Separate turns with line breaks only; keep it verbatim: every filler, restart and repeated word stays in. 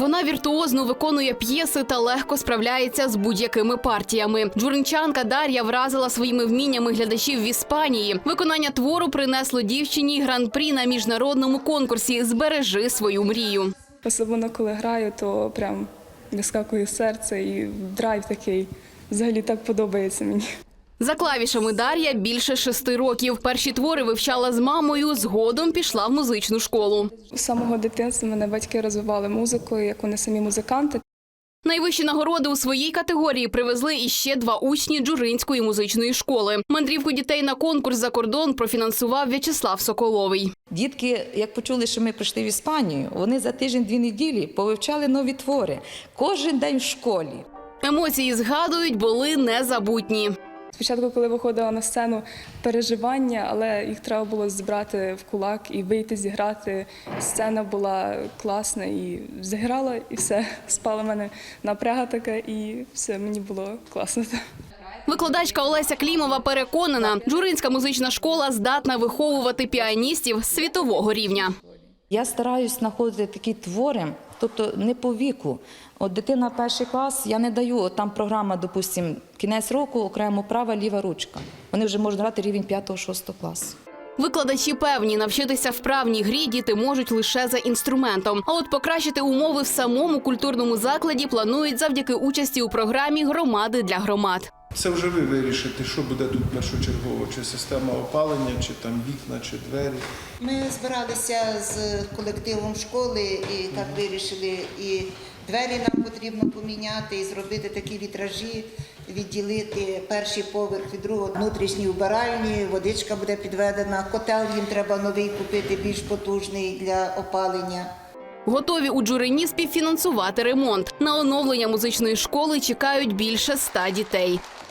Вона віртуозно виконує п'єси та легко справляється з будь-якими партіями. Джуринчанка Дар'я вразила своїми вміннями глядачів в Іспанії. Виконання твору принесло дівчині гран-прі на міжнародному конкурсі «Збережи свою мрію».
Особливо, коли граю, то прям вискакує серце і драйв такий. Взагалі так подобається мені.
За клавішами Дар'я більше шести років. Перші твори вивчала з мамою, згодом пішла в музичну школу.
З самого дитинства мене батьки розвивали музикою, як вони самі музиканти.
Найвищі нагороди у своїй категорії привезли іще два учні Джуринської музичної школи. Мандрівку дітей на конкурс за кордон профінансував В'ячеслав Соколовий.
Дітки, як почули, що ми прийшли в Іспанію, вони за тиждень-дві неділі повивчали нові твори. Кожен день в школі.
Емоції, згадують, були незабутні.
Спочатку, коли виходила на сцену, переживання, але їх треба було збирати в кулак і вийти зіграти. Сцена була класна і зіграла, і все. Спала в мене напряга така, і все, мені було класно.
Викладачка Олеся Клімова переконана, Джуринська музична школа здатна виховувати піаністів світового рівня.
Я стараюсь знаходити такі твори, тобто не по віку. От дитина перший клас, я не даю, от там програма, допустим, кінець року, окремо права, ліва ручка. Вони вже можуть грати рівень п'ятого-шостого класу.
Викладачі певні, навчитися вправній грі діти можуть лише за інструментом. А от покращити умови в самому культурному закладі планують завдяки участі у програмі «Громади для громад».
Це вже ви вирішите, що буде тут першочергово, чи система опалення, чи там вікна, чи двері.
Ми збиралися з колективом школи і так вирішили, і двері нам потрібно поміняти, і зробити такі вітражі, відділити перший поверх від другого, внутрішні вбиральні, водичка буде підведена, котел їм треба новий купити, більш потужний для опалення.
Готові у Джурині співфінансувати ремонт. На оновлення музичної школи чекають більше ста дітей.